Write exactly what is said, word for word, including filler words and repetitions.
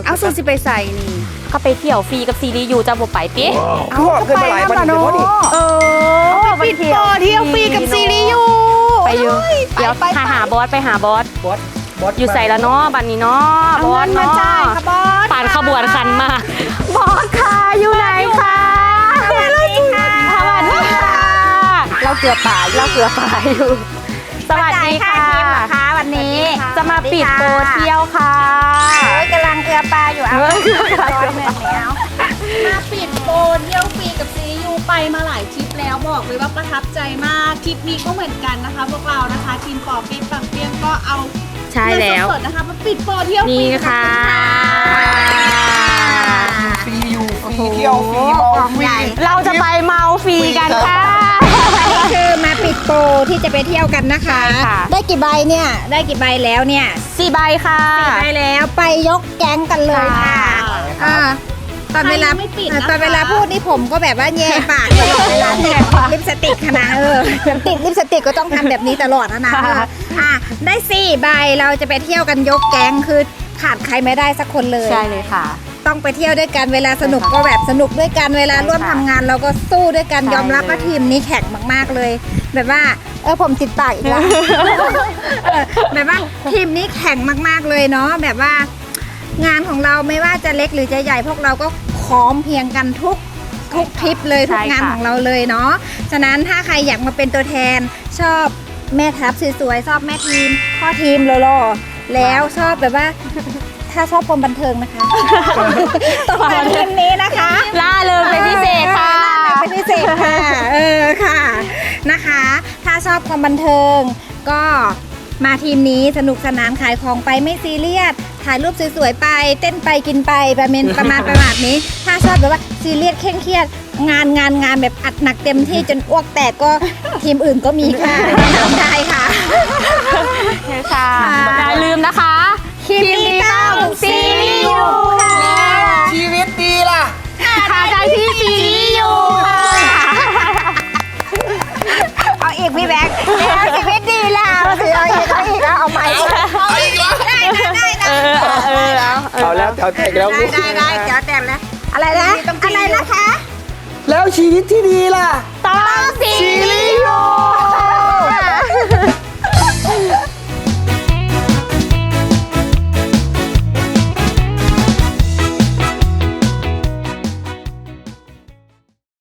เอาสูสิไปใส่นี่ก็ไปเที่ยวฟรีกับซีรีส์อยู่จะบ่ไปติเอาเกินมาหลายวันเดี๋ยวนี่เออปิดโปเที่ยวฟรีกับซีรีส์อยู่ไปอยู่เดี๋ยวหาหาบอสไปหาบอสบอสบอสอยู่ใส่ละเนาะบัดนี้เนาะบอสเนาะค่ะบอสผ่านขบวนคันมาบอสค่ะอยู่ไหนคะสวัสดีค่ะสวัสดีค่ะเราเกลือป่าเราเกลือป่าอยู่สวัสดีค่ะค่ะวันนี้จะมาปิดโปรเที่ยวค่ะกำลังเกลือปลาอยู่เอาเฮ้ยร้อยหนึ่งแล้วมาปิดโปรเที่ยวฟรีกับซีรีส์ยูไปมาหลายทริปแล้วบอกเลยว่าประทับใจมากทริปนี้ก็เหมือนกันนะคะ พวกเรานะคะทีมปอเปี๊ยกปังเปี๊ยงก็เอาใช่แล้วเงินสดๆนะคะมาปิดโปรเที่ยวฟรีนี่ค่ะฟรีอยู่ฟรีเที่ยวฟรีมองฟรีเราจะไปเมาฟรีกันค่ะคือมาปิดโปรที่จะไปเที่ยวกันนะคะใช่ค่ะได้กี่ใบเนี่ยได้กี่ใบแล้วเนี่ยสี่ใบค่ะไปแล้วไปยกแก๊งกันเลยค่ะอ่าตอนเวลาตอนเวลาพูดนี่ผมก็แบบว่าแย่ปากตลอดเวลาติดลิปสติกขนาดเออติดลิปสติกก็ต้องทำแบบนี้ตลอดนะนะเอออ่ะได้สี่ใบเราจะไปเที่ยวกันยกแก๊งคือขาดใครไม่ได้สักคนเลยใช่เลยค่ะต้องไปเที่ยวด้วยกันเวลาสนุกก็แบบสนุกด้วยกันเวลาร่วมทำงานเราก็สู้ด้วยกันใช่ยอมรับว่าทีมนี้แข็งมากๆเลย แบบว่าเออผมจิตปากอีกแล้ว เออแบบว่าทีมนี้แข็งมากๆเลยเนาะแบบว่างานของเราไม่ว่าจะเล็กหรือจะใหญ่พวกเราก็พร้อมเพรียงกันทุกทุกทริปเลยทุกงานของเราเลยเนาะฉะนั้นถ้าใครอยากมาเป็นตัวแทนชอบแม่ทัพสวยๆชอบแม่ทีมพ่อทีมหล่อๆแล้วชอบแบบว่า ถ้าชอบความบันเทิงนะคะ ต้องมาทีมนี้นะคะล่าเริงเป็นพิเศษค่ะเป็นพิเศษค่ะ เออค่ะนะคะ ถ้าชอบความบันเทิง ก็มาทีมนี้สนุกสนานขายของไปไม่ซีเรียสถ่ายรูปสวยๆไปเต้นไปกินไปประมาณประมาณประมาณนี้ ถ้าชอบแบบว่าซีเรียสเคร่งเครียดงานงานงานแบบอัดหนักเต็มที่จนอ้วกแตกก็ทีมอื่นก็มีค่ะทำได้ค่ะใช่ค่ะอย่าลืมนะคะคลิปนี้ต้องซีรีส์อยู่ค่ะชีวิตดีล่ะทาใจที่ซีรีส์อยู่ค่ะเอาอีกพี่แบ๊กแล้วชีวิตดีแล้วสิเอาอีกเอาอีกเอาเอาใหม่เอาอีกแล้วได้ได้ได้เออเออแล้วเอาแล้วแถวแตกแล้วได้ได้ได้เดี๋ยวแต่งแล้วอะไรนะอะไรนะคะแล้วชีวิตที่ดีล่ะต้องซีรี